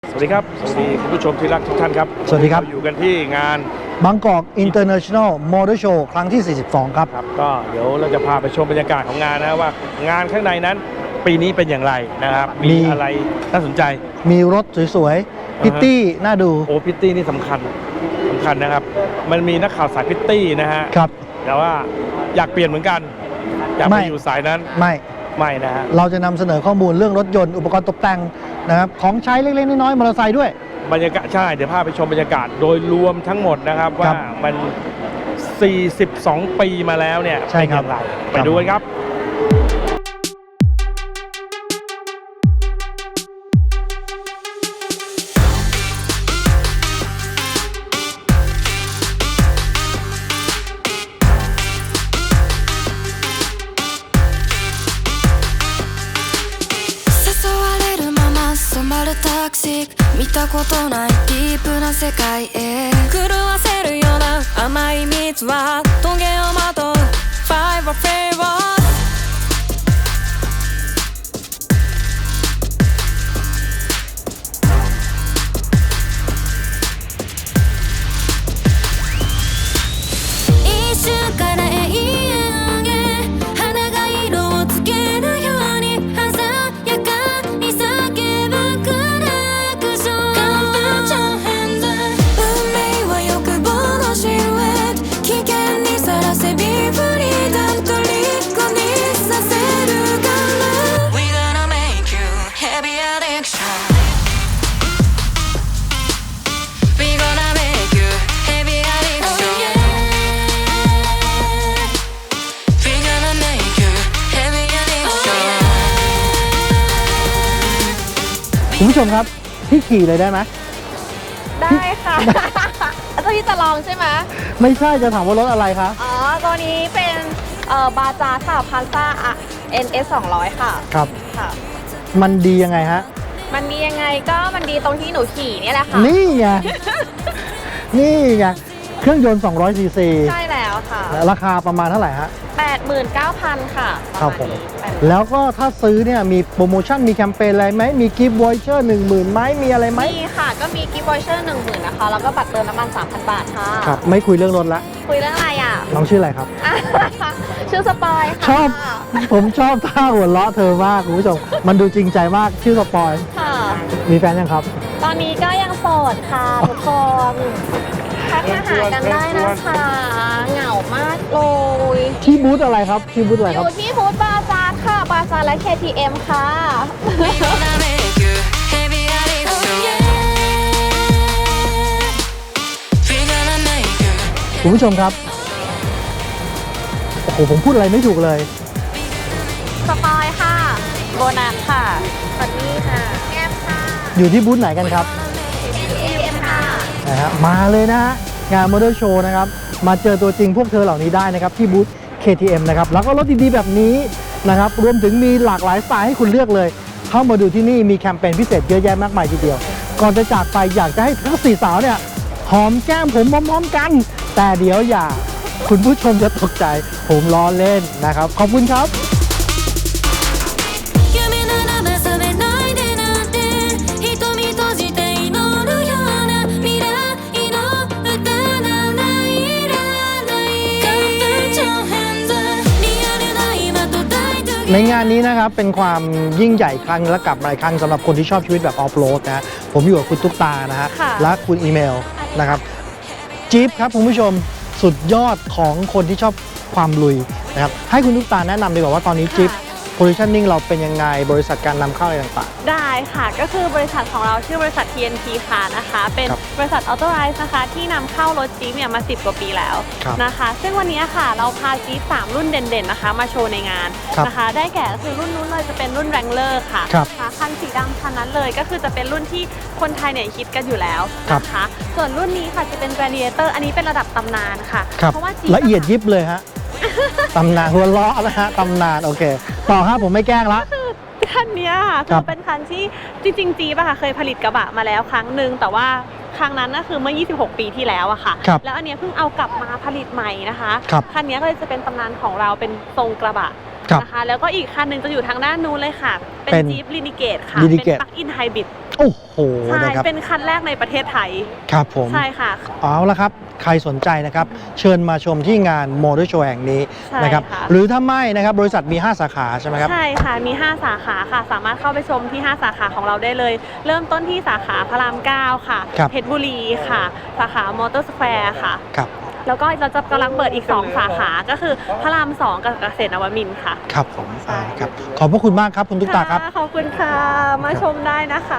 สวัสดีครับสวัสดีคุณผู้ชมที่รักทุกท่านครับสวัสดีครับอยู่กันที่งานบางกอก International Motor Show ครั้งที่ 42 ครับก็เดี๋ยวเราจะพาไปชมบรรยากาศของงานนะว่างานข้างในนั้นปีนี้เป็นอย่างไรนะครับมีอะไรน่าสนใจมีรถสวยๆพิตตี้น่าดูโอ้พิตตี้นี่สำคัญนะครับมันมีนักข่าวสายพิตตี้นะฮะครับแต่ว่าอยากเปลี่ยนเหมือนกันอยากไปอยู่สายนั้นไม่นะฮะเราจะนำเสนอข้อมูลเรื่องรถยนต์อุปกรณ์ตกแต่งนะครับของใช้เล็กๆน้อยๆมอเตอร์ไซค์ด้วยบรรยากาศใช่เดี๋ยวพาไปชมบรรยากาศโดยรวมทั้งหมดนะครับว่ามัน42 ปีมาแล้วเนี่ยเป็นอย่างไรไปดูกันครับタクシー見たことないディープな世界へ狂わせるような甘い蜜はトゲをまとう Five of Favors一瞬から永遠へ花が色をつけるように鮮やかに叫ぶคุณผู้ชมครับพี่ขี่เลยได้ไหมได้ค่ะเจ้าที่จะลองใช่ไหมไม่ใช่จะถามว่ารถอะไรคะอ๋อตัวนี้เป็นบาจาค่ะพาซ่าNS 200ค่ะครับค่ะมันดียังไงฮะมันดียังไงก็มันดีตรงที่หนูขี่นี่แหละค่ะนี่ไง นี่ไงเครื่องยนต์200 ซีซีใช่แล้วค่ะราคาประมาณเท่าไหร่ฮะ 89,000 ค่ะครับผมแล้วก็ถ้าซื้อเนี่ยมีโปรโมชั่นมีแคมเปญอะไรไหมมีกิฟต์วอยเชอร์ 10,000ไหมมีอะไรไหมมีค่ะก็มีกิฟต์วอยเชอร์ 10,000นะคะแล้วก็บัตรเติมน้ำมัน 3,000 บาทค่ะครับไม่คุยเรื่องรถละคุยเรื่องอะไรอ่ะน้องชื่ออะไรครับชื่อสปอยค่ะผมชอบท่าหัวเราะเธอมากคุณผู้ชมมันดูจริงใจมากชื่อสปอยค่ะมีแฟนยังครับตอนนี้ก็ยังโสดค่ะทุกคนทักมาหากันได้นะคะเหงามากเลยที่บูธอะไรครับที่บูธอะไรครับอยู่ที่บูธบาซาร์ค่ะบาซาร์และ KTM ค่ะคุณผู้ชมครับโอ้โหผมพูดอะไรไม่ถูกเลยสปอยค่ะโบนัสค่ะฟันนี่ค่ะแก้มค่ะอยู่ที่บูธไหนกันครับ KTM ค่ะนะฮะมาเลยนะฮะงานมอเตอร์โชว์นะครับมาเจอตัวจริงพวกเธอเหล่านี้ได้นะครับที่บูธ KTM นะครับแล้วก็รถดีๆแบบนี้นะครับรวมถึงมีหลากหลายสไตล์ให้คุณเลือกเลยเข้ามาดูที่นี่มีแคมเปญพิเศษเยอะแยะมากมายทีเดียวก่อนจะจากไปอยากจะให้ทั้ง4สาวเนี่ยหอมแก้มผมพร้อมๆกันแต่เดี๋ยวอย่าคุณผู้ชมจะตกใจผมล้อเล่นนะครับขอบคุณครับในงานนี้นะครับเป็นความยิ่งใหญ่ครั้งและกลับมาอีกครั้งสำหรับคนที่ชอบชีวิตแบบออฟโรดนะผมอยู่กับคุณตุ๊กตานะฮะและคุณอีเมลนะครับจี๊ปครับคุณผู้ชมสุดยอดของคนที่ชอบความลุยนะครับให้คุณตุ๊กตาแนะนำดีกว่าว่าตอนนี้จี๊ปpositioning เราเป็นยังไงบริษัทการนำเข้าอะไรต่างๆได้ค่ะก็คือบริษัทของเราชื่อบริษัท TNT ค่ะนะคะเป็นบริษัท Authorize นะคะที่นำเข้ารถจี๊ปเนี่ยมา10 กว่าปีแล้วนะคะซึ่งวันนี้ค่ะเราพาจี๊ป3รุ่นเด่นๆนะคะมาโชว์ในงานนะคะได้แก่คือรุ่นนู้นเลยจะเป็นรุ่น Wrangler ค่ะคันสีดำคันนั้นเลยก็คือจะเป็นรุ่นที่คนไทยเนี่ยคิดกันอยู่แล้วนะคะส่วนรุ่นนี้ค่ะจะเป็น Gladiator อันนี้เป็นระดับตำนานค่ะเพราะว่าละเอียดยิบเลยฮะตำนานหัวล้อนะฮะตำนานโอเคต่อครับผมไม่แกล้งละคันนี้ค่ะคือเป็นคันที่จริงๆจี๊ปค่ะเคยผลิตกระบะมาแล้วครั้งหนึ่งแต่ว่า ครั้งนั้นก็คือเมื่อ26 ปีที่แล้วอะค่ะแล้วอันนี้เพิ่งเอากลับมาผลิตใหม่นะคะคันนี้ก็เลยจะเป็นตำนานของเราเป็นทรงกระบะนะคะแล้วก็อีกคันหนึ่งจะอยู่ทางด้านนู้นเลยค่ะเป็นจี๊ปลินิเกตค่ะเป็นปลั๊กอินไฮบริดโอ้โหใช่นะครับเป็นคันแรกในประเทศไทยครับผมใช่ค่ะเอาละครับใครสนใจนะครับเชิญมาชมที่งานมอเตอร์โชว์แห่งนี้ใช่นะครับค่ะหรือถ้าไม่นะครับบริษัทมี 5 สาขาใช่ไหมครับใช่ค่ะ มี 5 สาขาค่ะ สามารถเข้าไปชมที่ 5 สาขาของเราได้เลย เริ่มต้นที่สาขาพระราม 9 ค่ะครับเพชรบุรีค่ะ สาขามอเตอร์สแควร์ค่ะครับแล้วก็เราจะกำลังเปิดอีก 2 สาขา ก็คือพระราม 2 กับเกษตรนวมินทร์ค่ะครับผมครับขอบพระคุณมากครับคุณตุ๊กตาครับขอบคุณค่ะ มาชมได้นะคะ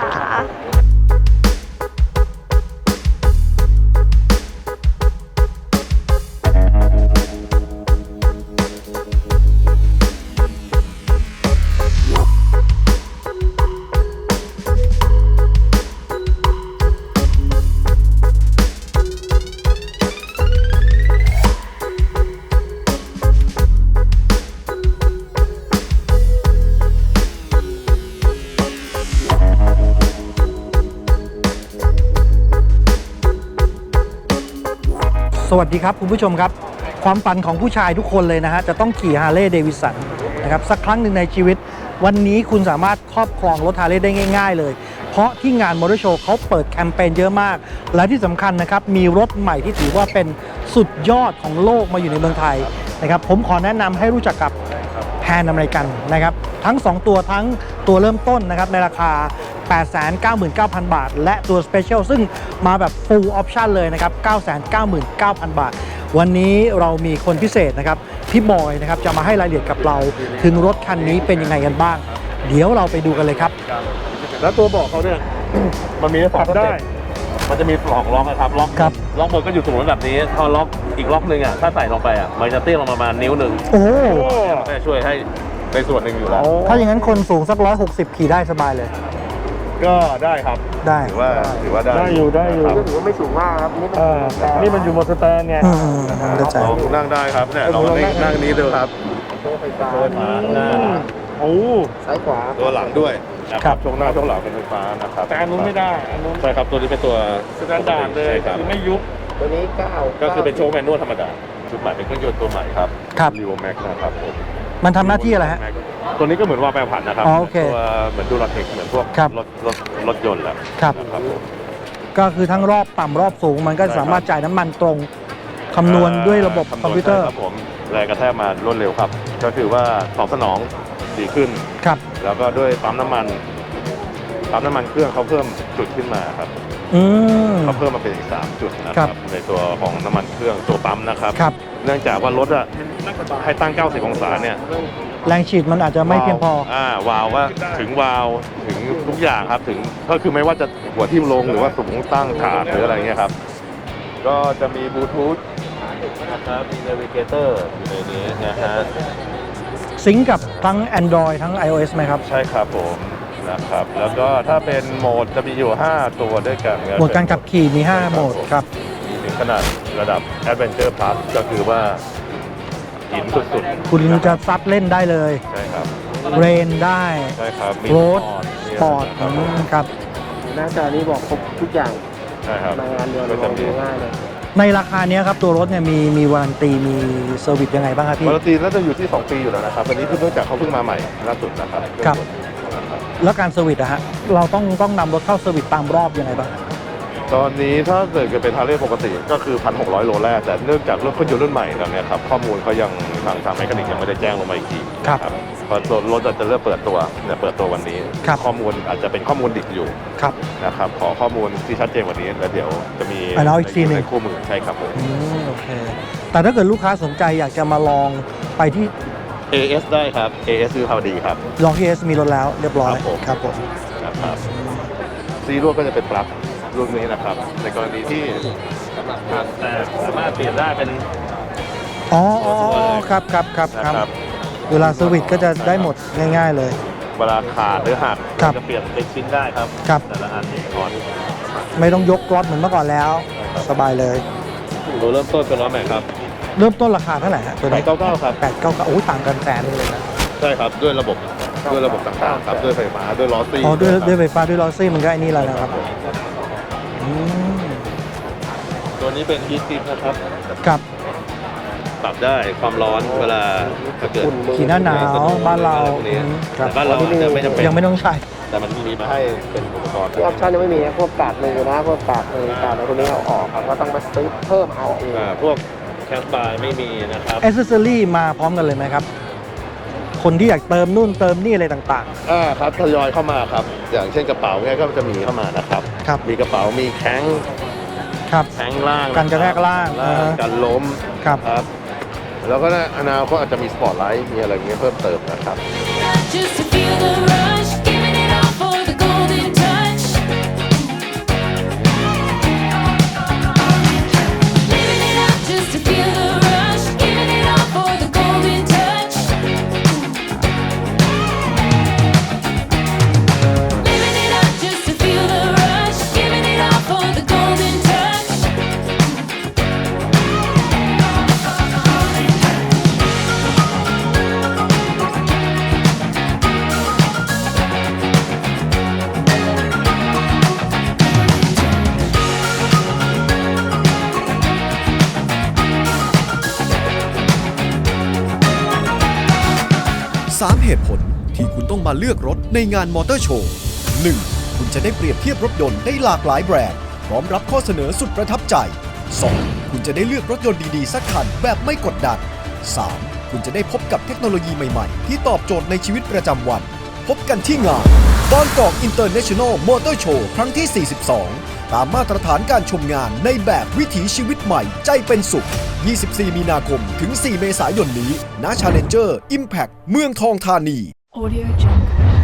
สวัสดีครับคุณผู้ชมครับ ความฝันของผู้ชายทุกคนเลยนะฮะจะต้องขี่ฮาร์เลย์เดวิสันนะครับสักครั้งหนึ่งในชีวิต วันนี้คุณสามารถครอบครองรถฮาร์เลย์ได้ง่ายๆเลย เพราะที่งานมอเตอร์โชว์เขาเปิดแคมเปญเยอะมาก และที่สำคัญนะครับมีรถใหม่ที่ถือว่าเป็นสุดยอดของโลกมาอยู่ในเมืองไทยนะครับผมขอแนะนำให้รู้จักกับแพนอเมริกันนะครับทั้ง 2 ตัวทั้งตัวเริ่มต้นนะครับในราคา 899,000 บาท และตัว Special ซึ่งมาแบบ Full Option เลยนะครับ 999,000 บาท วันนี้เรามีคนพิเศษนะครับพี่บอยนะครับจะมาให้รายละเอียดกับเราถึงรถคันนี้เป็นยังไงกันบ้าง เดี๋ยวเราไปดูกันเลยครับแล้วตัวเบอกเขาเนี่ย มันมีสองสได้เต็ปมันจะมีสองล็อกนะครับล็อกครับล็อกบนก็อยู่ตรงนั้นแบบนี้พอล็อกอีกล็อกหนึ่งอ่ะถ้าใส่ลงไปอ่ะมันจะเตี้ยลงประมาณนิ้วหนึ่งโอ้มันก็จะช่วยให้ในส่วนหนึ่งอยู่แล้วถ้าอย่างนั้นคนสูงสัก160ขี่ได้สบายเลยก็ได้ครับได้ถือว่าได้ได้อยู่ได้อยู่ครับถือว่าไม่สูงมากครับนี่มันนี่มันอยู่บนสแตนไงเข้าใจลองนั่งได้ครับเนี่ยลองนั่งนี้ดูครับโซ่ไฟฟ้าโดยหมาหน้าโอ้ซ้ายขวาตัวหลังด้วยนะครับช่วงหน้าช่วงหลังเป็นไฟฟ้านะครับแต่อันนู้นไม่ได้อันนู้นใช่ครับตัวนี้เป็นตัวสแตนดาร์ดเลยใช่ครับคือไม่ยุบตัวนี้9 ก็คือเป็นโชว์แมนนวลธรรมดาชุดใหม่เป็นเครื่องยนต์ตัวใหม่ครับครับรีโวแม็กนะครับผมมันทำหน้าที่อะไรฮะตัวนี้ก็เหมือนว่าแปรผันนะครับอ๋อโอเคตัวเหมือนดูรถเทคเหมือนพวกครับรถยนต์แหละครับนะครับผมก็คือทั้งรอบต่ำรอบสูงมันก็สามารถจ่ายน้ำมันตรงคำนวณด้วยระบบคอมพิวเตอร์ครับผมแรงกระแทกมารวดเร็วครับ ก็คือว่าตอบสนองดีขึ้นครับแล้วก็ด้วยปั๊มน้ำมันเครื่องเขาเพิ่มจุดขึ้นมาครับอืมเขาเพิ่มมาเป็นอีก3จุดนะคครัรับบ ในตัวของน้ำมันเครื่องตัวปั๊มนะครับครับเนื่องจากว่ารถอะให้ตั้ง 90 องศาเนี่ยแรงฉีดมันอาจจะไม่เพียงพอวาล์วว่าถึงวาล์วถึงทุกอย่างครับถึงก็คือไม่ว่าจะหัวทิ่มลงหรือว่าสูงตั้งขาหรืออะไรเงี้ยครับ ก็จะมีบลูทูธนะครับมี Navigator อยู่ในนี้นะฮะซิงก์กับทั้ง Android ทั้ง iOS ไหมครับใช่ครับผมนะครับแล้วก็ถ้าเป็นโหมดจะมีอยู่ 5 ตัวด้วยกันโหมดการขับขี่มี 5 โหมดครับมีถึงขนาดระดับ Adventure Plus ก็คือว่าหินสุดๆคุณจะซัดเล่นได้เลยใช่ครับเรนได้ใช่ครับมีโรดมีสปอร์ตครับผมครับหน้าจอนี้บอกครบทุกอย่างใช่ครับมางานเดียวก็มจะองมีดูง่ายเลยในราคาเนี้ยครับ ตัวรถเนี่ยมีวารันตีมีเซอร์วิสยังไงบ้างครับพี่วารันตีน่าจะอยู่ที่ 2 ปีอยู่แล้วนะครับอันนี้คือเนื่องจากเขาเพิ่งมาใหม่ล่าสุดนะครับครับ แล้วการเซอร์วิสอะฮะเราต้องนำรถเข้าเซอร์วิสตามรอบยังไงบ้างตอนนี้ถ้าเกิดเป็นฮาร์เลย์ปกติก็คือ 1,600 โลแรกแต่เนื่องจากรถเครื่องยนต์รุ่นใหม่แล้วเนี่ยครับข้อมูลเขายังทางแมคานิกยังไม่ได้แจ้งลงมาอีกทีครับเพราะรถจะเริ่มเปิดตัวเนี่ยเปิดตัววันนี้ครับข้อมูลอาจจะเป็นข้อมูลดิบอยู่ครับนะครับขอข้อมูลที่ชัดเจนกว่านี้แล้วเดี๋ยวจะมีอ่ะเอาอีกทีหนึ่งในคู่มือใช่ครับผมโอเค แต่ถ้าเกิดลูกค้าสนใจอยากจะมาลองไปที่ AS ได้ครับ AS คือข่าวดีครับลองที่ S มีรถแล้วเรียบร้อยครับผมครับผมนะครับซีรุ่นก็จะเป็นปลั๊กรุ่นนี้นะครับ ในกรณีที่แต่สามารถเปลี่ยนได้เป็นอ๋อครับครับครับนะครับเวลาเซอร์วิสก็จะได้หมดง่ายๆเลยเวลาขาดหรือหักครับจะเปลี่ยนเป็นชิ้นได้ครับครับแต่ละอันนี่อ่อนไม่ต้องยกรถเหมือนเมื่อก่อนแล้ว สบายเลยตัวเริ่มต้นเป็นล้อแม็กครับเริ่มต้นราคาเท่าไหร่ฮะตัวนี้ 899ครับ 899โอ้ยต่างกันแสนเลยนะใช่ครับด้วยระบบต่างๆครับด้วยไฟฟ้าด้วยล้อซี่อ๋อด้วยครับด้วยไฟฟ้าด้วยลอซี่มันก็ไอ้นี่แล้วนะครับอืมตัวนี้เป็นฮีทซิปนะครับครับปรับได้ความร้อนเวลาถ้าเกิดขี่หน้าหนาวบ้านเราพวกนี้อืมครับแต่บ้านเราอาจจะไม่จำเป็นยังไม่ต้องใช้แต่มันมีมาให้เป็นอุปกรณ์ที่ออปชั่นยังไม่มีนะพวกกาดมือนะพวกกาดมือกาดอะไรพวกนี้เอาออกครับก็ต้องมาซื้อเพิ่มเอาเองพวกแคสบาร์ไม่มีนะครับแอ c เซสซอรี่มาพร้อมกันเลยไหมครับ คนที่อยากเติมนู่นเติมนี่อะไรต่างครับทยอยเข้ามาครับ อย่างเช่นกระเป๋าเนี่ยก็จะมีเข้ามานะครับครับมีกระเป๋ามีแข้งๆ ครับแข้งล่างกันกระแทกล่างกันล้มครับครับ แล้วก็อนาคตอาจจะมีสปอร์ตไลท์มีอะไรอย่างเงี้ยเพิ่มเติมนะครับ Just to feel the rush, giving it all for the golden touch. Living it up just to feel the rush, giving it all for the golden touch. Living it up just to feel the rush, giving it all for the golden touch. 3 เหตุผลที่คุณต้องมาเลือกรถในงานมอเตอร์โชว์ 1. คุณจะได้เปรียบเทียบรถยนต์ได้หลากหลายแบรนด์พร้อมรับข้อเสนอสุดประทับใจ 2. คุณจะได้เลือกรถยนต์ดีๆสักคันแบบไม่กดดัน 3. คุณจะได้พบกับเทคโนโลยีใหม่ๆ ที่ตอบโจทย์ในชีวิตประจำวัน พบกันที่งานบางกอกอินเตอร์เนชั่นแนลมอเตอร์โชว์ครั้งที่ 42 ตามมาตรฐานการชมงานในแบบวิถีชีวิตใหม่ใจเป็นสุข 24 มีนาคมถึง 4 เมษายนนี้ณ Challenger Impact เมืองทองธานี Audio Jungle